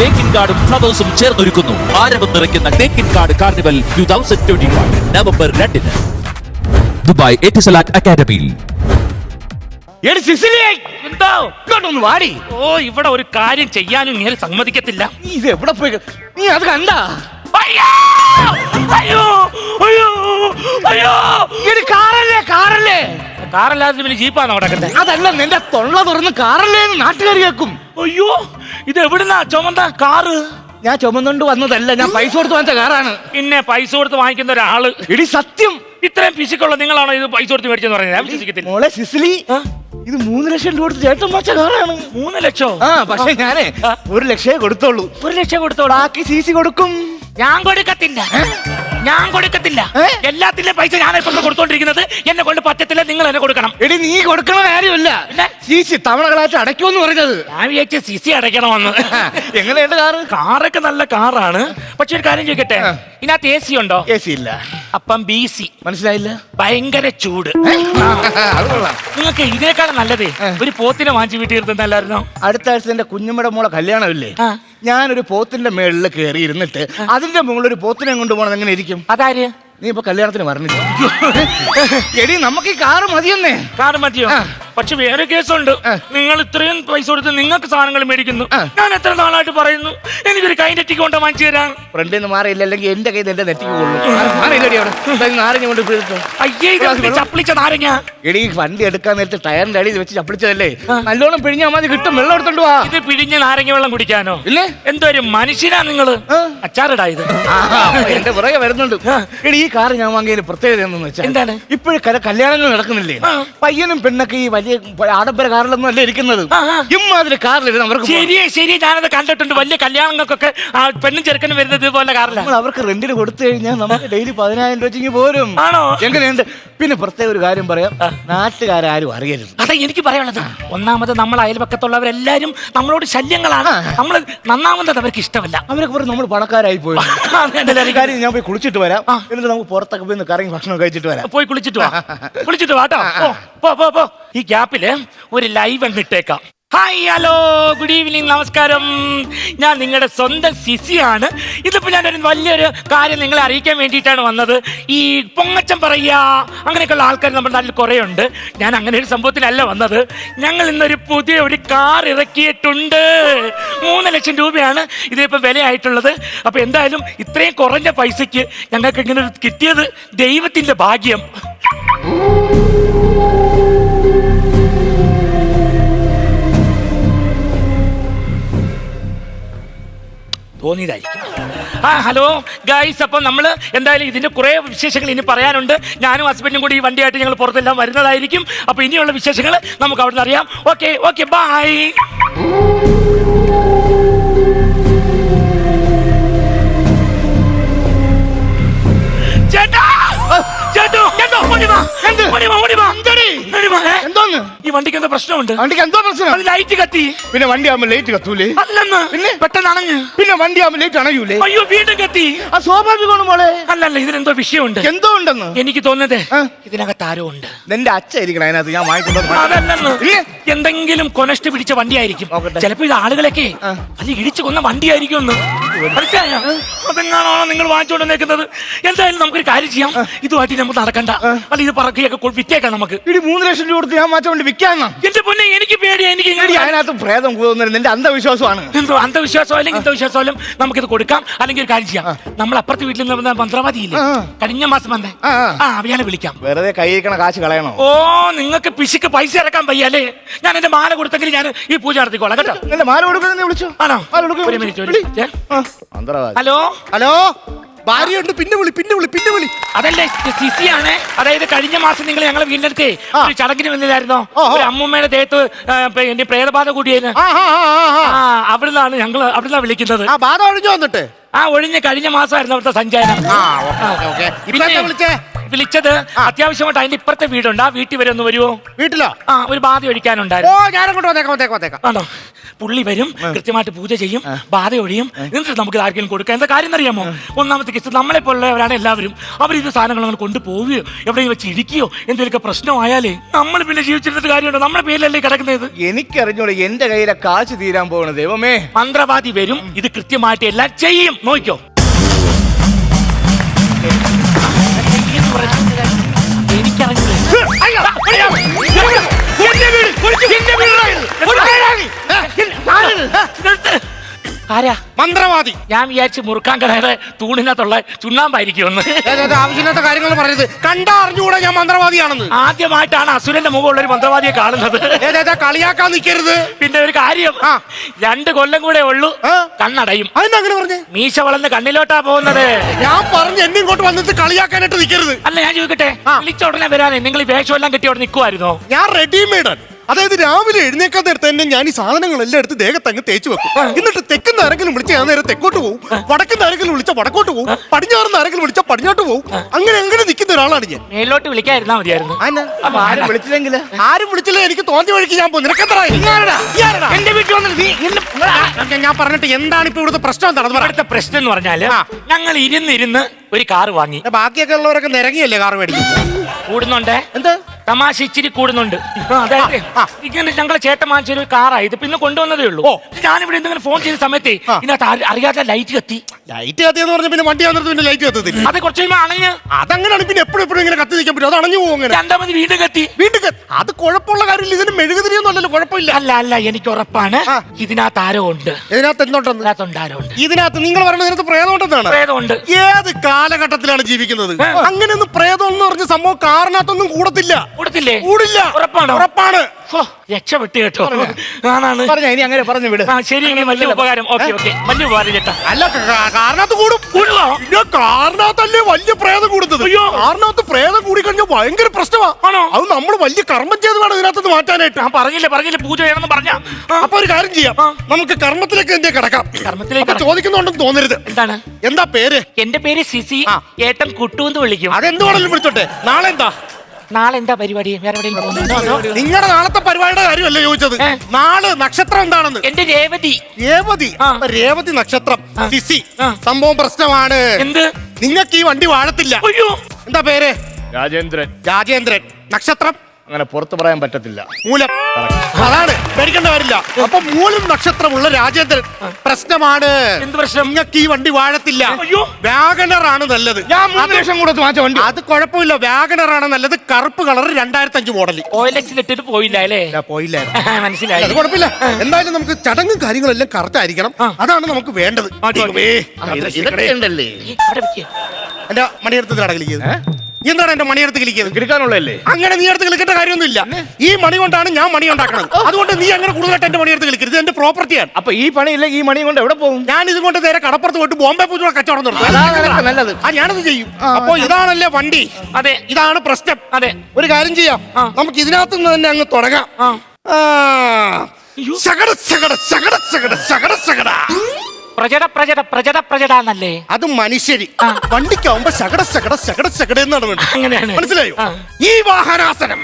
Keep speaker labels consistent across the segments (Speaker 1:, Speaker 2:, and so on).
Speaker 1: തേക്കിൻകാടും ഫ്ലവേഴ്സും ചേർന്നൊരുക്കുന്നു ആരവം നിറയ്ക്കുന്ന Thekkinkadu carnival 2021 November 2 Dubai Etisalat അക്കാദമിയിൽ.
Speaker 2: എന്തോ ഇങ്ങോട്ടൊന്ന് വാടി. ഓ, ഇവിടെ ഒരു കാര്യം ചെയ്യാനും നീ സമ്മതിക്കത്തില്ല.
Speaker 3: നീ ഇത് എവിടെ പോയി? നീ അത് കണ്ടാ?
Speaker 2: അയ്യോ അയ്യോ അയ്യോ അയ്യോ,
Speaker 3: കാറല്ലേ കാറല്ലേ?
Speaker 2: കാറല്ലാതെ പിന്നെ ജീപ്പാണോ കിടക്കട്ടെ?
Speaker 3: അതല്ല, നിന്റെ തൊള്ള തുറന്ന് കാറല്ലേ എന്ന് നാട്ടുകാർ കേൾക്കും.
Speaker 2: അയ്യോ, ഇത് എവിടുന്നാ ചുമന്ന കാറ്?
Speaker 3: ഞാൻ ചുമന്നുകൊണ്ട് വന്നതല്ല, ഞാൻ പൈസ കൊടുത്ത് വാങ്ങിച്ച കാറാണ്.
Speaker 2: പിന്നെ പൈസ കൊടുത്ത് വാങ്ങിക്കുന്ന ഒരാള്
Speaker 3: എടി സത്യം,
Speaker 2: ഇത്രയും പിശുക്കുള്ള നിങ്ങളാണോ ഇത് പൈസ കൊടുത്ത് മേടിച്ചെന്ന് പറയുന്നത്? ഞാൻ വിശ്വസിക്കത്തില്ല.
Speaker 3: മോളെ സിസിലി, ഇത് 3 ലക്ഷം രൂപ കൊടുത്ത് ചേട്ടൻ വാങ്ങിച്ച കാറാണ്.
Speaker 2: 3 ലക്ഷം?
Speaker 3: ആ, പക്ഷെ ഞാനേ 1 ലക്ഷമേ കൊടുത്തോളൂ.
Speaker 2: 1 ലക്ഷം കൊടുത്തോളൂ,
Speaker 3: ബാക്കി സി കൊടുക്കും.
Speaker 2: ഞാൻ കൊടുക്കത്തില്ല, ഞാൻ കൊടുക്കത്തില്ല. എല്ലാത്തിന്റെയും പൈസ ഞാൻ ഇപ്പൊ കൊടുത്തോണ്ടിരിക്കുന്നത്. എന്നെ കൊണ്ട് പറ്റത്തില്ല, നിങ്ങൾ എന്നെ കൊടുക്കണം.
Speaker 3: എടി, നീ കൊടുക്കണ കാര്യമില്ല, സി തവണകളായിട്ട് അടയ്ക്കുമെന്ന് പറഞ്ഞത്.
Speaker 2: ഞാൻ വിചാരിച്ച സിസി അടയ്ക്കണമെന്ന്.
Speaker 3: എങ്ങനെയുണ്ട് കാറ്?
Speaker 2: കാറൊക്കെ നല്ല കാറാണ്. പക്ഷെ ഒരു കാര്യം ചോദിക്കട്ടെ, ഇതിനകത്ത് AC ഉണ്ടോ?
Speaker 3: AC ഇല്ല.
Speaker 2: അപ്പം BC.
Speaker 3: മനസ്സിലായില്ല?
Speaker 2: ഭയങ്കര ചൂട്.
Speaker 3: അത് കൊള്ളാം.
Speaker 2: നിങ്ങൾക്ക് ഇതിനേക്കാളും നല്ലതേ ഒരു പോത്തിനെ വാങ്ങിച്ച് വീട്ടിൽ ഇരുന്നല്ലായിരുന്നോ?
Speaker 3: അടുത്ത ആഴ്ച എന്റെ കുഞ്ഞമ്മയുടെ മോളെ കല്യാണമില്ലേ? ഞാനൊരു പോത്തിന്റെ മേളിൽ കയറി ഇരുന്നിട്ട് അതിന്റെ മുകളിൽ ഒരു പോത്തിനെ കൊണ്ടുപോകണം. എങ്ങനെ ഇരിക്കും?
Speaker 2: അതാര്?
Speaker 3: നീ ഇപ്പൊ കല്യാണത്തിന് പറഞ്ഞില്ല. എടി, നമുക്ക് ഈ കാറ് മതിയെന്നേ.
Speaker 2: കാറ് മതിയോ? പക്ഷെ വേറെ കേസുണ്ട്. നിങ്ങൾ ഇത്രയും പൈസ കൊടുത്ത് നിങ്ങൾക്ക് സാധനങ്ങൾ മേടിക്കുന്നു. ഞാൻ എത്ര നാളായിട്ട് പറയുന്നു എനിക്കൊരു കൈ നെറ്റിക്ക് കൊണ്ട് വാങ്ങിച്ചു തരാം.
Speaker 3: ഫ്രണ്ടിൽ നിന്ന് മാറിയില്ല, അല്ലെങ്കിൽ എന്റെ കയ്യിൽ എന്റെ നെറ്റിക്ക് കൊള്ളും. മാറിയില്ലടി അവിടെ നാരങ്ങ കൊണ്ട് പിടിച്ചു.
Speaker 2: അയ്യേ, ചപ്പിളിച്ച നാരങ്ങ.
Speaker 3: എടി, വണ്ടി എടുക്കാൻ നേരത്തെ ടയറിന്റെ അടിയിൽ വെച്ച് ചപ്പിളിച്ചതല്ലേ? നല്ലോണം പിഴിഞ്ഞാൽ മതി, കിട്ടും. വെള്ളം എടുത്തോണ്ട് വാ.
Speaker 2: ഇത് പിഴിഞ്ഞ നാരങ്ങ വെള്ളം കുടിക്കാനോ?
Speaker 3: ഇല്ലേ?
Speaker 2: എന്തോ ഒരു മനുഷ്യനാ നിങ്ങള്. അച്ചാറിടാ ഇത്.
Speaker 3: എന്റെ പുറകെ വരുന്നുണ്ട്. എടി, ഈ കാറ് ഞാൻ വാങ്ങിയതിന് പ്രത്യേകത എന്തെന്ന് വെച്ചാൽ
Speaker 2: എന്താണ്?
Speaker 3: ഇപ്പോഴും കല്യാണങ്ങൾ നടക്കുന്നില്ലേ? പയ്യനും പെണ്ണൊക്കെ ഈ വലിയ ആഡംബര കാറിലൊന്നും അല്ല ഇരിക്കുന്നത്. ഇമ്മാതിരി കാറിലിരുന്ന് അവർക്ക്
Speaker 2: ശരി, ഞാനത് കണ്ടിട്ടുണ്ട്. വലിയ കല്യാണങ്ങൾക്കൊക്കെ പെണ്ണും ചെറുക്കനും വരുന്നത് ഇതുപോലെ കാറിലാണ്.
Speaker 3: അവർക്ക് റെന്റിന് കൊടുത്തു കഴിഞ്ഞാൽ നമുക്ക് ഡെയിലി 10,000 രൂപ പോരും.
Speaker 2: ആണോ?
Speaker 3: എങ്ങനെയുണ്ട്? പിന്നെ പ്രത്യേക ഒരു കാര്യം പറയാം, നാട്ടുകാരും അറിയരുത്.
Speaker 2: അതെ, എനിക്ക് പറയാനുള്ളത്, ഒന്നാമത് നമ്മൾ അയൽപക്കത്തുള്ളവരെല്ലാരും നമ്മളോട് ശല്യങ്ങളാണ്. നമ്മൾ നന്നാവുന്നത് അവർക്ക് ഇഷ്ടമല്ല.
Speaker 3: അവരൊക്കെ പറഞ്ഞ് നമ്മൾ പണക്കാരായി പോയി. കാര്യം, ഞാൻ പോയി കുളിച്ചിട്ട് വരാം. എന്നിട്ട് നമുക്ക് പുറത്തൊക്കെ പോയി കറങ്ങി ഭക്ഷണം കഴിച്ചിട്ട് വരാം.
Speaker 2: പോയി കുളിച്ചിട്ട് വാട്ടോ. പോ. ഈ ഗ്യാപ്പില് ഒരു ലൈവ് ഇട്ടേക്കാം. ഹായ്, ഹലോ, ഗുഡ് ഈവനിങ്, നമസ്കാരം. ഞാൻ നിങ്ങളുടെ സ്വന്തം സിസിയാണ്. ഇതിപ്പോൾ ഞാനൊരു വലിയൊരു കാര്യം നിങ്ങളെ അറിയിക്കാൻ വേണ്ടിയിട്ടാണ് വന്നത്. ഈ പൊങ്ങച്ചം പറയുക അങ്ങനെയൊക്കെയുള്ള ആൾക്കാർ നമ്മുടെ നാട്ടിൽ കുറേ ഉണ്ട്. ഞാൻ അങ്ങനെ ഒരു സംഭവത്തിലല്ല വന്നത്. ഞങ്ങൾ ഇന്നൊരു പുതിയ ഒരു കാർ ഇറക്കിയിട്ടുണ്ട്. 3 ലക്ഷം രൂപയാണ് ഇതിനിപ്പോൾ വിലയായിട്ടുള്ളത്. അപ്പോൾ എന്തായാലും ഇത്രയും കുറഞ്ഞ പൈസയ്ക്ക് ഞങ്ങൾക്ക് ഇങ്ങനെ കിട്ടിയത് ദൈവത്തിൻ്റെ ഭാഗ്യം. തോന്നിയതായിരിക്കും. ഹലോ ഗൈസ്, അപ്പം നമ്മൾ എന്തായാലും ഇതിൻ്റെ കുറേ വിശേഷങ്ങൾ ഇനി പറയാനുണ്ട്. ഞാനും ഹസ്ബൻഡും കൂടി ഈ വണ്ടിയായിട്ട് ഞങ്ങൾ പുറത്തെല്ലാം വരുന്നതായിരിക്കും. അപ്പോൾ ഇനിയുള്ള വിശേഷങ്ങൾ നമുക്ക് അവിടെ നിന്ന് അറിയാം. Okay, bye. ഈ വണ്ടിക്ക് എന്താ പ്രശ്നമുണ്ട്?
Speaker 3: വണ്ടിക്ക് എന്തോ പ്രശ്നം?
Speaker 2: ലൈറ്റ് കത്തി.
Speaker 3: പിന്നെ വണ്ടി ആകുമ്പോൾ ലൈറ്റ് കത്തൂലേ?
Speaker 2: അല്ലെന്ന്, പിന്നെ പെട്ടെന്ന് അണഞ്ഞ്.
Speaker 3: പിന്നെ വണ്ടി ആകുമ്പോൾ ലൈറ്റ് അണയൂലേ?
Speaker 2: അയ്യോ, വീണ്ടും കത്തി.
Speaker 3: ആ സ്വാഭാവികമാണ് മോളെ.
Speaker 2: അല്ലല്ല, ഇതിനെന്തോ വിഷയമുണ്ട്.
Speaker 3: എന്തോ ഉണ്ടെന്ന് എനിക്ക്
Speaker 2: തോന്നുന്നത്. ഇതിനകത്ത് ആരോ ഉണ്ട്.
Speaker 3: നിന്റെ അച്ഛായിരിക്കണം അതിനകത്ത്. ഞാൻ വാങ്ങിക്കൊണ്ടു.
Speaker 2: അതല്ലെന്ന്, എന്തെങ്കിലും കൊനസ്റ്റ് പിടിച്ച വണ്ടിയായിരിക്കും. ചിലപ്പോ ഇത് ആളുകളൊക്കെ അല്ല ഇടിച്ചു കൊന്ന വണ്ടിയായിരിക്കും എന്ന് മനസ്സിലായോ? അതെങ്ങാണോ നിങ്ങൾ വാങ്ങിച്ചുകൊണ്ട് നിൽക്കുന്നത്? എന്തായാലും നമുക്കൊരു കാര്യം ചെയ്യാം, ഇതുമായിട്ട് നമുക്ക് നടക്കണ്ട. അല്ല, ഇത് പറക്കിയൊക്കെ വിറ്റേക്കാം നമുക്ക്.
Speaker 3: 3 ലക്ഷം രൂപ കൊടുത്ത് ഞാൻ മാറ്റാൻ വേണ്ടി വിൽക്കാന്നാ?
Speaker 2: എന്റെ പൊന്നെ, എനിക്ക് പേടിയാ. എനിക്ക്
Speaker 3: അതിനകത്ത് പ്രേതം കൂടുന്നത് നിന്റെ അന്ധവിശ്വാസമാണ്.
Speaker 2: എന്തോ അന്ധവിശ്വാസം അല്ലെങ്കിൽ ഇന്ധവിശ്വാസം, നമുക്കിത് കൊടുക്കാം. അല്ലെങ്കിൽ ഒരു കാര്യം ചെയ്യാം, നമ്മൾ അപ്പുറത്തെ വീട്ടിൽ നിന്ന് മന്ത്രവാദിയില്ലേ കഴിഞ്ഞ മാസം വന്നേ, അവയാളെ വിളിക്കാം.
Speaker 3: വെറുതെ കൈയിരിക്കണ കാശ് കളയണോ?
Speaker 2: ഓ, നിങ്ങൾക്ക് പിശുക്ക് പൈസ ഇറക്കാൻ വയ്യല്ലേ? ഞാൻ എന്റെ മാല കൊടുത്തെങ്കിൽ ഞാൻ ഈ പൂജ നടത്തിക്കോളാം കേട്ടോ.
Speaker 3: എന്റെ മാല കൊടുക്കുന്ന വിളിച്ചു.
Speaker 2: ആണോ? ഒരു മിനിറ്റ്.
Speaker 3: ഹലോ,
Speaker 4: ഭാര്യയുണ്ട്, പിന്നെ വിളി.
Speaker 2: അതല്ലേ സിസിയാണ്. അതായത് കഴിഞ്ഞ മാസം നിങ്ങൾ ഞങ്ങളെ വീടിനടുത്തേ ഒരു ചടങ്ങിന് വന്നില്ലായിരുന്നോ? ഒരു അമ്മൂമ്മയുടെ ദേഹത്ത് എന്റെ പ്രേതബാധ കൂടിയേന്. അവിടുന്നാണ് അവിടുന്നാ വിളിക്കുന്നത്.
Speaker 4: ബാധ ഒഴിഞ്ഞു വന്നിട്ട്
Speaker 2: ഒഴിഞ്ഞ് കഴിഞ്ഞ മാസമായിരുന്നു അവിടുത്തെ സഞ്ചാരം. വിളിച്ചത് അത്യാവശ്യമായിട്ട് അതിന്റെ ഇപ്പുറത്തെ വീടുണ്ട്. ആ വീട്ടിൽ വരെ ഒന്ന് വരുമോ?
Speaker 4: വീട്ടിലോ?
Speaker 2: ഒരു ബാധ ഒഴിക്കാനുണ്ടായിരുന്നു.
Speaker 4: ഞാനങ്ങോട്ട് വന്നേക്കാം.
Speaker 2: ആണോ? പുള്ളി വരും, കൃത്യമായിട്ട് പൂജ ചെയ്യും, ബാധ ഒഴിയും, എന്നിട്ട് നമുക്ക് ആർക്കെങ്കിലും കൊടുക്കാം. എന്താ കാര്യം അറിയാമോ? ഒന്നാമത്തെ കേസ് നമ്മളെ പോലുള്ളവരാണ് എല്ലാവരും. അവരിത് സാധനങ്ങൾ അങ്ങനെ കൊണ്ടുപോവുകയോ എവിടെയെങ്കിലും വെച്ച് ഇടിക്കുകയോ എന്തെങ്കിലുമൊക്കെ പ്രശ്നമായാലേ നമ്മൾ പിന്നെ ജീവിച്ചിരുന്നിട്ട് കാര്യമുണ്ടോ? നമ്മുടെ പേരിലല്ലേ കിടക്കുന്നത്.
Speaker 3: എനിക്കറിഞ്ഞൂടെ എന്റെ കയ്യിലെ കാശ് തീരാൻ പോകണത്. ദൈവമേ,
Speaker 2: മന്ത്രവാദി വരും, ഇത് കൃത്യമായിട്ട് എല്ലാം ചെയ്യും. നോക്കിക്കോ. ആരാ
Speaker 4: മന്ത്രവാദി?
Speaker 2: ഞാൻ വിചാരിച്ച് മുറുക്കാൻ കടയുടെ തൂണിനകത്തുള്ള ചുണ്ണാമ്പായിരിക്കുമെന്ന്.
Speaker 4: ആവശ്യമില്ലാത്ത കാര്യങ്ങൾ പറയുന്നത് കണ്ടാ അറിഞ്ഞുകൂടാ ഞാൻ മന്ത്രവാദിയാണെന്ന്.
Speaker 2: ആദ്യമായിട്ടാണ് അസുരന്റെ മുഖമുള്ള ഒരു മന്ത്രവാദിയെ കാണുന്നത്.
Speaker 4: കളിയാക്കാൻ നിൽക്കരുത്.
Speaker 2: പിന്നെ ഒരു കാര്യം, 2 കൊല്ലം കൂടെ ഉള്ളൂ, കണ്ണടയും.
Speaker 4: അതെന്താ പറഞ്ഞേ?
Speaker 2: മീശ വളർന്ന് കണ്ണിലോട്ടാ പോകുന്നത്.
Speaker 4: ഞാൻ പറഞ്ഞു എന്നെ ഇങ്ങോട്ട് വന്നിട്ട് കളിയാക്കാനായിട്ട് നിൽക്കരുത്.
Speaker 2: അല്ല, ഞാൻ ചോദിക്കട്ടെ, വിളിച്ച ഉടനെ വരാനേ നിങ്ങൾ ഈ വേഷം എല്ലാം കെട്ടി അവിടെ നിൽക്കുമായിരുന്നോ?
Speaker 4: ഞാൻ റെഡിമെയ്ഡ്. അതായത് രാവിലെ എഴുന്നേക്കാൻ നേരത്തെ തന്നെ ഞാൻ ഈ സാധനങ്ങളെല്ലാം എടുത്ത് ദേഹത്ത് അങ്ങ് തേച്ച് വെക്കും. എന്നിട്ട് തെക്കുന്ന ആരെങ്കിലും വിളിച്ച ഞാൻ നേരെ തെക്കോട്ട് പോകും, വടക്കുന്ന ആരെങ്കിലും വിളിച്ച വടക്കോട്ട് പോകും, പടിഞ്ഞാറുന്ന ആരെങ്കിലും വിളിച്ച പടിഞ്ഞോട്ട് പോകും. അങ്ങനെ നിൽക്കുന്ന ഒരാളാണ് ഞാൻ.
Speaker 2: മേലോട്ട് വിളിക്കാതിരുന്നാ മതിയായിരുന്നു.
Speaker 3: ആരും വിളിച്ചില്ലെങ്കിൽ
Speaker 4: ആരും വിളിച്ചില്ല, എനിക്ക് തോന്നിയ വഴിക്ക് ഞാൻ പോകും. നിനക്കെന്താ
Speaker 2: എന്റെ വീട്ടിൽ വന്നിട്ട്
Speaker 4: ഞാൻ പറഞ്ഞിട്ട് എന്താണ് ഇപ്പൊ ഇവിടുത്തെ പ്രശ്നം? എന്താണെന്ന് പറയാം.
Speaker 2: ഇവിടുത്തെ പ്രശ്നം എന്ന് പറഞ്ഞാല് ഞങ്ങൾ ഇരുന്ന് ഒരു കാറ് വാങ്ങി.
Speaker 4: ബാക്കിയൊക്കെ ഉള്ളവരൊക്കെ നിരങ്ങിയല്ലേ കാർ മേടിക്കും.
Speaker 2: കൂടുന്നുണ്ട്.
Speaker 4: എന്ത്
Speaker 2: തമാശ ഇച്ചിരി കൂടുന്നുണ്ട്. അതായത് ഇങ്ങനെ ഞങ്ങളെ ചേട്ടൻ വാങ്ങിച്ചൊരു കാറായത് പിന്നെ കൊണ്ടുവന്നതേ ഉള്ളൂ. ഞാനിവിടെ എന്തെങ്കിലും ഫോൺ ചെയ്ത സമയത്ത് ഇതിനകത്ത് അറിയാതെ ലൈറ്റ് കത്തി.
Speaker 4: ലൈറ്റ് കത്തിയെന്ന് പറഞ്ഞ പിന്നെ വണ്ടി വന്നിട്ട് പിന്നെ ലൈറ്റ് കത്തത്തില്ല.
Speaker 2: അത് കുറച്ച് കഴിയുമ്പോൾ അണഞ്ഞ്.
Speaker 4: അതങ്ങനെയാണ് പിന്നെ എപ്പോഴും ഇങ്ങനെ കത്തി നിൽക്കാൻ പറ്റും. അത് അണഞ്ഞു പോകും. അങ്ങനെ
Speaker 2: 2ാമത് വീണ്ടും കത്തി.
Speaker 4: അത് കുഴപ്പമുള്ള കാര്യമില്ല. ഇതിന് മെഴുകുതിരിയൊന്നും അല്ലല്ലോ. കുഴപ്പമില്ല.
Speaker 2: അല്ല എനിക്ക് ഉറപ്പാണ് ഇതിനകത്ത് ആരോ ഉണ്ട്.
Speaker 4: ഇതിനകത്ത് എന്തുണ്ടെന്ന്?
Speaker 2: ആരോ ഉണ്ട്.
Speaker 4: ഇതിനകത്ത് നിങ്ങൾ പറയുന്നത് ഇതിനകത്ത് പ്രേതമുണ്ടെന്നാണ്?
Speaker 2: പ്രേതമുണ്ട്.
Speaker 4: ഏത് കാലഘട്ടത്തിലാണ് ജീവിക്കുന്നത്? അങ്ങനെയൊന്നും പ്രേതം എന്ന് പറഞ്ഞ സംഭവം കാറിനകത്തൊന്നും കൂടത്തില്ല. കൂടില്ല. ഉറപ്പാണ്.
Speaker 2: രക്ഷപ്പെട്ടു കേട്ടോ. ആണാണ്
Speaker 3: പറഞ്ഞ ഇനി അങ്ങനെ പറഞ്ഞു വിട്.
Speaker 2: ശരി, വലിയ ഉപകാരം. ഓക്കെ വലിയ ഉപകാരം ചേട്ടാ.
Speaker 4: അല്ല, കാറിനകത്ത് കൂടും. കാറിനകത്തല്ലേ വലിയ പ്രേതം കൂടുന്നത്. കാറിനകത്ത് പ്രേതം കൂടി കഴിഞ്ഞാൽ ഭയങ്കര പ്രശ്നമാണ്. അത് നമ്മൾ വലിയ കർമ്മം ചെയ്ത് വേണം ഇതിനകത്ത് മാറ്റാനായിട്ട്.
Speaker 2: പറഞ്ഞില്ലേ പൂജ ചെയ്യണമെന്ന് പറഞ്ഞ.
Speaker 4: അപ്പൊ ഒരു കാര്യം ചെയ്യാം, നമുക്ക് കർമ്മത്തിലേക്ക് എന്തേ കിടക്കാം.
Speaker 2: കർമ്മത്തിലേക്ക്
Speaker 4: ചോദിക്കുന്നുണ്ടെന്ന് തോന്നരുത്.
Speaker 2: എന്താണ്?
Speaker 4: എന്താ പേര്?
Speaker 2: എന്റെ പേര് സിസി. ഏട്ടൻ കുട്ടൂന്ന് വിളിക്കും.
Speaker 4: അതെന്ത് വേണമെങ്കിലും വിളിച്ചോട്ടെ. നാളെ എന്താ?
Speaker 2: നാളെ എന്താ പരിപാടി? വേറെ എവിടെയെങ്കിലും?
Speaker 4: നിങ്ങളുടെ നാളത്തെ പരിപാടിയുടെ കാര്യമല്ലേ ചോദിച്ചത്. നാളെ നക്ഷത്രം എന്താണെന്ന്?
Speaker 2: എന്റെ രേവതി.
Speaker 4: രേവതി നക്ഷത്രം. സിസി. സംഭവം പ്രശ്നമാണ്.
Speaker 2: എന്ത്?
Speaker 4: നിങ്ങൾക്ക് ഈ വണ്ടി വാഴത്തില്ല. എന്താ പേര്? രാജേന്ദ്രൻ. നക്ഷത്രം
Speaker 3: അങ്ങനെ പുറത്ത് പറയാൻ പറ്റത്തില്ല.
Speaker 4: മൂലം. അതാണ്, പേടിക്കേണ്ട കാര്യമില്ല. അപ്പൊ മൂലം നക്ഷത്രമുള്ള രാജേന്ദ്രൻ പ്രശ്നമാണ്.
Speaker 2: എന്ത് പ്രശ്നം?
Speaker 4: നിങ്ങൾക്ക് ഈ വണ്ടി വാഴത്തില്ല. വാഗണർ ആണ് നല്ലത്.
Speaker 3: ഞാൻ 3 ലക്ഷം കൊടുത്ത് വാങ്ങിച്ച വണ്ടി.
Speaker 4: അത് കുഴപ്പമില്ല. വാഗണർ ആണ് നല്ലത്. കറുപ്പ് കളർ 2005 മോഡൽ.
Speaker 2: ഓയിലിട്ടിട്ട് പോയില്ല അല്ലേ?
Speaker 4: പോയില്ലായിരുന്നു.
Speaker 2: മനസ്സിലായി.
Speaker 4: അത് കുഴപ്പമില്ല. എന്തായാലും നമുക്ക് ചടങ്ങും കാര്യങ്ങളെല്ലാം കറക്റ്റ് ആയിരിക്കണം. അതാണ് നമുക്ക് വേണ്ടത്. എന്റെ മണിയെടുത്ത് കളിക്കുന്നത് എന്താണ്? എന്റെ മണിയെടുത്ത് കളിക്കുന്നത്
Speaker 3: കിടക്കാനുള്ളല്ലേ?
Speaker 4: അങ്ങനെ നീ എടുത്ത് കളിക്കേണ്ട കാര്യമൊന്നുമില്ല. ഈ മണി കൊണ്ടാണ് ഞാൻ മണി ഉണ്ടാക്കുന്നത്. അതുകൊണ്ട് നീ അങ്ങനെ കൂടുതലായിട്ട് എന്റെ മണിയെടുത്ത് കളിക്കരുത്. എന്റെ പ്രോപ്പർട്ടിയാണ്.
Speaker 3: അപ്പൊ ഈ പണിയില്ല, ഈ മണി കൊണ്ട് എവിടെ പോകും?
Speaker 4: ഞാൻ ഇതുകൊണ്ട് നേരെ കടപ്പുറത്ത് പോയിട്ട് ബോംബെ പൂജ കച്ചവടം നടത്തും.
Speaker 3: നല്ലത്.
Speaker 4: ഞാനത് ചെയ്യും. അപ്പൊ ഇതാണല്ലേ വണ്ടി.
Speaker 2: അതെ,
Speaker 4: ഇതാണ് പ്രശ്നം.
Speaker 2: അതെ.
Speaker 4: ഒരു കാര്യം ചെയ്യാം, നമുക്ക് ഇതിനകത്ത് നിന്ന് തന്നെ അങ്ങ് തുടങ്ങാം.
Speaker 2: പ്രജടന്നല്ലേ?
Speaker 4: അത് മനുഷ്യരി. വണ്ടിക്കാവുമ്പോ ശകട എന്നാണ് വേണ്ടത്. മനസ്സിലായോ? ഈ വാഹനാസനം.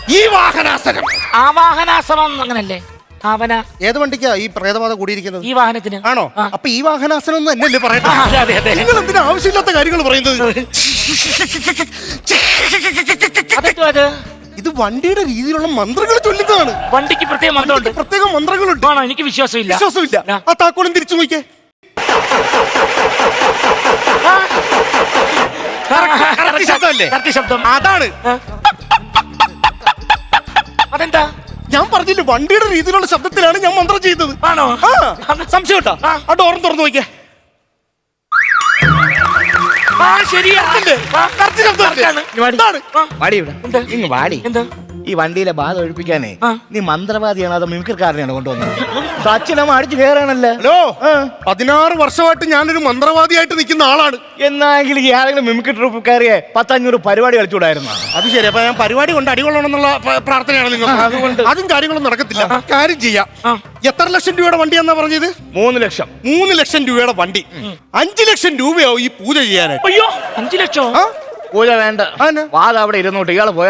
Speaker 2: ആവാഹനാസനം അങ്ങനല്ലേ?
Speaker 4: ഏത് വണ്ടിക്കാ ഈ പ്രേതബാധ കൂടിയിരിക്കുന്നത്?
Speaker 2: ഈ വാഹനത്തിന്.
Speaker 4: ആണോ? അപ്പൊ ഈ വാഹനാസനം എന്ന് എന്നല്ലേ പറയുന്നത്? നിങ്ങൾ എന്തിനാ ആവശ്യമില്ലാത്ത കാര്യങ്ങൾ പറയുന്നത്? ഇത് വണ്ടിയുടെ രീതിയിലുള്ള മന്ത്രങ്ങൾ ചൊല്ലുന്നതാണ്.
Speaker 2: വണ്ടിക്ക് പ്രത്യേക മന്ത്രമുണ്ട്.
Speaker 4: പ്രത്യേക മന്ത്രങ്ങളുണ്ട്.
Speaker 2: എനിക്ക് വിശ്വാസമില്ല.
Speaker 4: ആ താക്കോലും തിരിച്ചു നോക്കിയേ.
Speaker 2: ശബ്ദം
Speaker 4: അതാണ്.
Speaker 2: അതെന്താ?
Speaker 4: ഞാൻ പറഞ്ഞില്ല, വണ്ടിയുടെ രീതിയിലുള്ള ശബ്ദത്തിലാണ് ഞാൻ മന്ത്രം ചെയ്തത്.
Speaker 2: ആണോ?
Speaker 4: സംശയം കേട്ടോ. ആ ഡോറും തുറന്നു നോക്കിയേ.
Speaker 3: ഈ വണ്ടിയിലെ ബാധ ഒഴിപ്പിക്കാനേ നീ മന്ത്രവാദിയാണ് അതോ മിമിക്രിക്കാരനെയാണ് കൊണ്ടുവന്നത്? സച്ചിനമ്മ അടിച്ചു കയറാണല്ലോ.
Speaker 4: ഹലോ, 16 വർഷമായിട്ട് ഞാനൊരു മന്ത്രവാദിയായിട്ട് നിൽക്കുന്ന ആളാണ്.
Speaker 3: എന്നാണെങ്കിൽ ഈ ആരെങ്കിലും മിമിക്രി ട്രൂപ്പ് കയറിയെ 10-500 പരിപാടി കളിച്ചുകൂടായിരുന്നു.
Speaker 4: അത് ശരി. അപ്പൊ ഞാൻ പരിപാടി കൊണ്ട് അടികൊള്ളണമെന്നുള്ള പ്രാർത്ഥനയാണ് നിങ്ങൾ. അതുകൊണ്ട് അതും കാര്യങ്ങളൊന്നും നടക്കത്തില്ല. കാര്യം ചെയ്യാം. എത്ര ലക്ഷം രൂപയുടെ വണ്ടിയാന്നാ പറഞ്ഞത്?
Speaker 3: 3 ലക്ഷം.
Speaker 4: 3 ലക്ഷം രൂപയുടെ വണ്ടി. 5 ലക്ഷം രൂപയാവും ഈ പൂജ ചെയ്യാനായിട്ട്.
Speaker 2: അയ്യോ, 5 ലക്ഷം?
Speaker 3: പൂജ വേണ്ട. വാദം അവിടെ ഇരുന്നോട്ട് ഇയാള് പോയാണ്.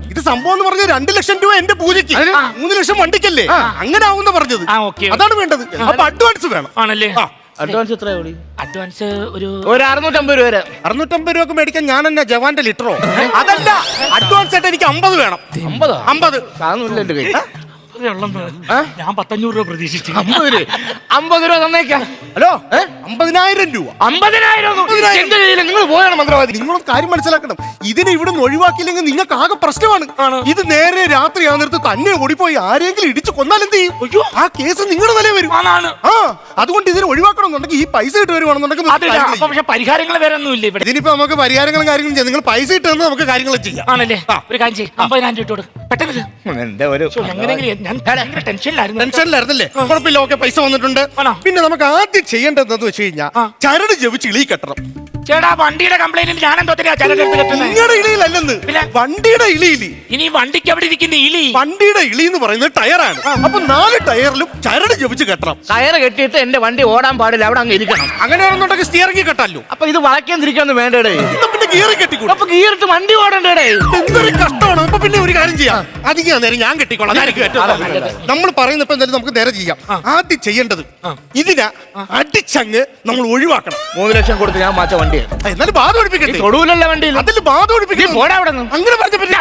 Speaker 4: ഇത് സംഭവം എന്ന് പറഞ്ഞ 2 ലക്ഷം രൂപ എന്റെ പൂജയ്ക്ക് 3 ലക്ഷം വണ്ടിക്കല്ലേ അങ്ങനെ ആവുന്ന പറഞ്ഞത്.
Speaker 2: ആ, ഓക്കേ.
Speaker 4: അതാണ് വേണ്ടത്. അപ്പൊ അഡ്വാൻസ് വേണം.
Speaker 2: ആണല്ലേ?
Speaker 3: അഡ്വാൻസ് എത്ര കൂടി?
Speaker 2: അഡ്വാൻസ് ഒരു
Speaker 3: 650 രൂപ വരെ.
Speaker 4: 650 രൂപക്ക് മേടിക്കാൻ ഞാൻ എന്നാ ജവാന്റെ ലിറ്ററോ? അതല്ല, അഡ്വാൻസ് ആയിട്ട് എനിക്ക് 50 വേണം. 50
Speaker 3: സാധനമില്ല എന്റെ കയ്യിൽ.
Speaker 2: ഞാൻ 500 രൂപ പ്രതീക്ഷിച്ചു.
Speaker 3: 50 രൂപ തന്നേക്കാം.
Speaker 4: ഹലോ, 50,000 രൂപ.
Speaker 3: 50,000 എന്റെ കയ്യിൽ. നിങ്ങൾ പോയാണ് മന്ത്രവാദി.
Speaker 4: നിങ്ങളൊരു കാര്യം മനസ്സിലാക്കണം, ഇതിനെ ഇവിടെ നിന്ന് ഒഴിവാക്കിയില്ലെങ്കിൽ നിങ്ങൾക്ക് ആകെ പ്രശ്നമാണ്. ഇത് നേരെ രാത്രി ആ നേരത്ത് തന്നെ ഓടിപ്പോയി ആരെങ്കിലും ഇടിച്ചു കൊന്നാൽ എന്ത് ചെയ്യും? ആ കേസ് നിങ്ങളുടെ തലേ വരും. ആ, അതുകൊണ്ട് ഇതിനെ ഒഴിവാക്കണമെന്നുണ്ടെങ്കിൽ ഈ പൈസ ഇട്ട് വരുവാണെന്നുണ്ടെങ്കിൽ
Speaker 2: പക്ഷെ പരിഹാരങ്ങൾ വേറെ ഒന്നും ഇല്ല ഇവിടെ.
Speaker 4: ഇതിനിപ്പോ നമുക്ക് പരിഹാരങ്ങളും കാര്യങ്ങളും ചെയ്യാം. നിങ്ങൾ പൈസ ഇട്ട് തന്നാൽ നമുക്ക് കാര്യങ്ങൾ ചെയ്യാം.
Speaker 2: ആണല്ലേ? ഒരു കാര്യം ചെയ്യും, 50,000 ഇട്ടോട് പെട്ടെന്ന്.
Speaker 3: എന്റെ ഒരു
Speaker 2: എങ്ങനെയെങ്കിലും ഞാൻ ഭയങ്കര ടെൻഷനിലായിരുന്നു.
Speaker 4: ടെൻഷനിലായിരുന്നല്ലേ? കുഴപ്പമില്ല, ഓക്കെ, പൈസ വന്നിട്ടുണ്ട്. പിന്നെ നമുക്ക് ആദ്യം ചെയ്യേണ്ടതെന്ന് വെച്ച് കഴിഞ്ഞാൽ ചരട് ജപിച്ച് ഇളി കെട്ടണം.
Speaker 2: ചേട്ടാ, വണ്ടിയുടെ കംപ്ലൈന്റിൽ ഞാൻ എന്തോ ചരടെടുത്ത് കെട്ടുന്നത്?
Speaker 4: നിങ്ങളുടെ ഇളിയിലല്ലെന്ന്, വണ്ടിയുടെ ഇളിയില്.
Speaker 2: ഇനി വണ്ടിക്ക് അവിടെ ഇരിക്കുന്ന ഇലി.
Speaker 4: വണ്ടിയുടെ ഇളി എന്ന് പറയുന്നത് ടയറാണ്. അപ്പൊ 4 ടയറിലും ചരട് ജപിച്ച് കെട്ടണം.
Speaker 3: ടയറ് കെട്ടിയിട്ട് എന്റെ വണ്ടി ഓടാൻ പാടില്ല, അവിടെ അങ്ങ് ഇരിക്കണം.
Speaker 4: അങ്ങനെയാണെന്നുണ്ടെങ്കിൽ സ്റ്റിയറിംഗ് കെട്ടാലോ?
Speaker 3: അപ്പൊ ഇത് വളയ്ക്കാൻ തിരിക്കാന്ന് വേണ്ടേ?
Speaker 4: പിന്നെ ഗിയർ കെട്ടിക്കൂടെ?
Speaker 3: അപ്പൊ ഗീറിട്ട് വണ്ടി ഓടണ്ടേ?
Speaker 4: എന്തൊരു കഷ്ടമാണ്. അപ്പൊ പിന്നെ ഒരു കാര്യം ചെയ്യാം, അധികം നേരം ഞാൻ കെട്ടിക്കോളാം. നമ്മൾ പറയുന്നപ്പോ എന്തായാലും നമുക്ക് നേരെ ചെയ്യാം. ആദ്യം ചെയ്യേണ്ടത് ഇതിനെ അടിച്ചങ്ങ് നമ്മൾ ഒഴിവാക്കണം.
Speaker 3: 3 ലക്ഷം കൊടുത്ത് ഞാൻ മാറ്റ വണ്ടി.
Speaker 4: എന്നാലും ബാധ ഒഴിപ്പിക്കട്ടെ.
Speaker 3: തൊടുവിലല്ല വണ്ടിയിൽ.
Speaker 4: അതിൽ ബാധ ഒഴിപ്പിക്കും.
Speaker 3: പോടാ അവിടെ നിന്ന്.
Speaker 4: അങ്ങനെ പറഞ്ഞ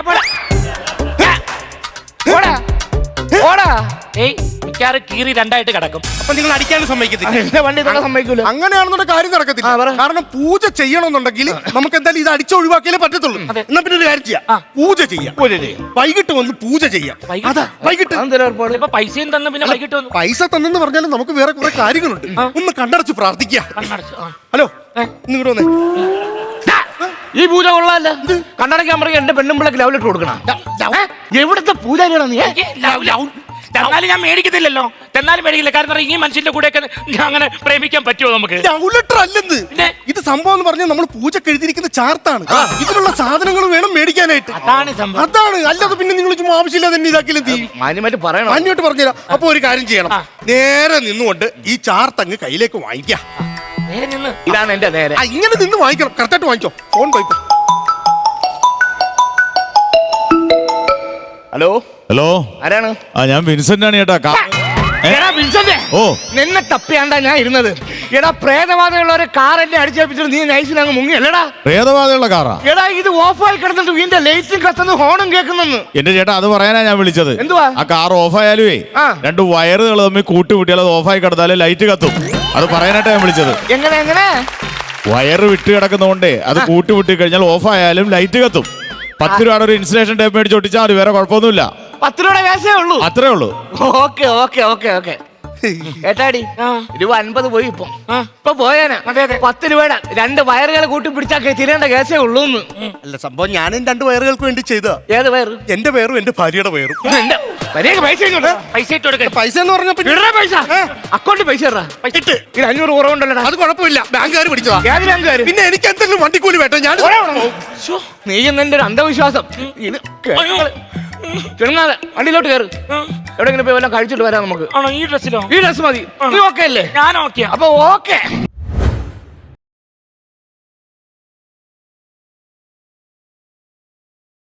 Speaker 2: മിക്കാറ് കീറി 2ആയിട്ട് കിടക്കും.
Speaker 4: അപ്പൊ നിങ്ങൾ അടിക്കാനും സമ്മതിക്കത്തില്ല.
Speaker 3: എന്റെ വണ്ടി തന്നെ സമ്മതിക്കൂല.
Speaker 4: അങ്ങനെയാണെന്നുണ്ടെങ്കിൽ കാര്യം നടക്കത്തില്ല. കാരണം പൂജ ചെയ്യണമെന്നുണ്ടെങ്കിൽ നമുക്ക് എന്തായാലും ഇത് അടിച്ച് ഒഴിവാക്കിയാലേ പറ്റത്തുള്ളൂ. എന്നാ പിന്നെ ഒരു കാര്യം ചെയ്യാം, പൂജ ചെയ്യാം. വൈകിട്ട് വന്ന് പൂജ ചെയ്യാം. അതാ വൈകിട്ട്.
Speaker 2: ഇപ്പൊ പൈസയും തന്നു, പിന്നെ വൈകിട്ട് വന്നു.
Speaker 4: പൈസ തന്നെന്ന് പറഞ്ഞാലും നമുക്ക് വേറെ കുറെ കാര്യങ്ങളുണ്ട്. ഒന്ന് കണ്ടടച്ച് പ്രാർത്ഥിക്കുക. ഹലോ, നിങ്ങോട്ട് വന്നേ.
Speaker 3: ഈ പൂജ കൊള്ളാല്ല. കണ്ണടക്കാൻ പറയും എന്റെ പെണ്ണുമ്പിളക്ക് ലവ് ലെറ്റർ കൊടുക്കണം. എവിടുത്തെ പൂജാരിയാണോ നീ?
Speaker 2: തന്നാലും ഞാൻ മേടിക്കത്തില്ലല്ലോ. തന്നാലും മേടിക്കില്ല. കാരണം ഈ മനുഷ്യന്റെ കൂടെ അങ്ങനെ പ്രേമിക്കാൻ പറ്റുമോ നമുക്ക്?
Speaker 4: ലവ് ലെറ്റർ അല്ലെന്ന്. ഇത് സംഭവം എന്ന് പറഞ്ഞാൽ നമ്മൾ പൂജക്ക് എഴുതിയിരിക്കുന്ന ചാർത്താണ്. ഇതിലുള്ള സാധനങ്ങൾ വേണം മേടിക്കാനായിട്ട്.
Speaker 2: അതാണ് സംഭവം.
Speaker 4: അതാണ്. അല്ലാതെ പിന്നെ നിങ്ങൾ ചുമ്മാ ആവശ്യമില്ലാതെ തന്നെ ഇതാക്കിയാലും
Speaker 3: മാന്യമായിട്ട് പറയണം.
Speaker 4: മാന്യമായിട്ട് പറഞ്ഞുതരാം. അപ്പൊ ഒരു കാര്യം ചെയ്യണം, നേരെ നിന്നുകൊണ്ട് ഈ ചാർത്ത് അങ്ങ് കയ്യിലേക്ക് വാങ്ങിക്കാം.
Speaker 3: ഇതാണ് എന്റെ നേരെ.
Speaker 4: ഇങ്ങനെ നിന്ന് വാങ്ങിക്കണം. കറക്റ്റായിട്ട് വാങ്ങിച്ചോ. ഫോൺ പോയിക്കോ.
Speaker 3: ഹലോ
Speaker 5: ഹലോ,
Speaker 3: ആരാണ്?
Speaker 5: ഞാൻ വിൻസെന്റ് ആണ് ചേട്ടാ. ഓ,
Speaker 3: നിന്നെ തപ്പിയാണ്ടാ ഞാൻ ഇരുന്നത്. എടാ, പ്രേതബാധയുള്ള ഒരു കാർ എന്നെ അടിച്ചേപ്പിച്ചിട്ട് നീ നൈസിൽ അങ്ങ് മുങ്ങി അല്ലടാ?
Speaker 5: പ്രേതബാധയുള്ള കാറാ?
Speaker 3: എടാ, ഇത് ഓഫായി കിടന്നിട്ട് ഇതിന്റെ ലൈറ്റും കത്തുന്നു, ഹോണും കേൾക്കുന്നെന്ന്.
Speaker 5: എന്റെ ചേട്ടാ, അത് പറയാനാ ഞാൻ വിളിച്ചത്.
Speaker 3: എന്തുവാ?
Speaker 5: ആ കാർ ഓഫായാലുവേ 2 വയറുകൾ തമ്മിൽ കൂട്ടിമുട്ടിയാൽ അത് ഓഫായി കിടന്നാലേ ലൈറ്റ് കത്തും. അത് പറയാനായിട്ടാ ഞാൻ വിളിച്ചത്.
Speaker 3: എങ്ങനെ?
Speaker 5: വയറ് വിട്ട് കിടക്കുന്നതുകൊണ്ടേ അത് കൂട്ടിമുട്ടി കഴിഞ്ഞാൽ ഓഫായാലും ലൈറ്റ് കത്തും. 10 രൂപയുടെ ഒരു ഇൻസുലേഷൻ ടേപ്പ് മേടിച്ച് ഒട്ടിച്ചാൽ മതി, വേറെ കുഴപ്പമൊന്നുമില്ല.
Speaker 3: 10 രൂപയുടെ കേസേ ഉള്ളൂ.
Speaker 5: അത്രേ ഉള്ളൂ.
Speaker 3: ഓക്കെ. ഏട്ടാടി, രൂപ 50 പോയി. ഇപ്പൊ പോയാനാ 10 രൂപയുടെ 2 വയറുകൾ കൂട്ടി പിടിച്ചാൽ തിരേണ്ട കേസേ ഉള്ളൂ.
Speaker 4: അല്ല, സംഭവം ഞാനും 2 വയറുകൾക്ക് വേണ്ടി ചെയ്ത.
Speaker 3: ഏത് വയറ്?
Speaker 4: എന്റെ പേരും എന്റെ ഭാര്യയുടെ പേരും.
Speaker 2: പൈസ ഇട്ട് കൊടുക്ക.
Speaker 4: പൈസ എന്ന് പറഞ്ഞ
Speaker 3: പൈസ അക്കൗണ്ടിൽ പൈസ ഇട്ട് 500 കുറവുണ്ടല്ലോ.
Speaker 4: അത് കുഴപ്പമില്ല, ബാങ്കുകാർ പിടിച്ചതാ.
Speaker 3: ഏത് ബാങ്കുകാർ?
Speaker 4: പിന്നെ എനിക്ക് എന്തെങ്കിലും വണ്ടിക്കൂലി വേണ്ട. ഞാൻ
Speaker 3: നീ എന്നെ ഒരു അന്ധവിശ്വാസം. ചെറുങ്ങാതെ വണ്ടിയിലോട്ട് കയറ്. എവിടെങ്കിലും പോയി വല്ലതും കഴിച്ചിട്ട് വരാം നമുക്ക്.
Speaker 2: ആണോ? ഈ ഡ്രസ്സിലോ?
Speaker 3: ഈ ഡ്രസ് മതി. നീ ഓക്കെ അല്ലേ?
Speaker 2: ഞാൻ ഓക്കെ.
Speaker 3: അപ്പൊ ഓക്കെ.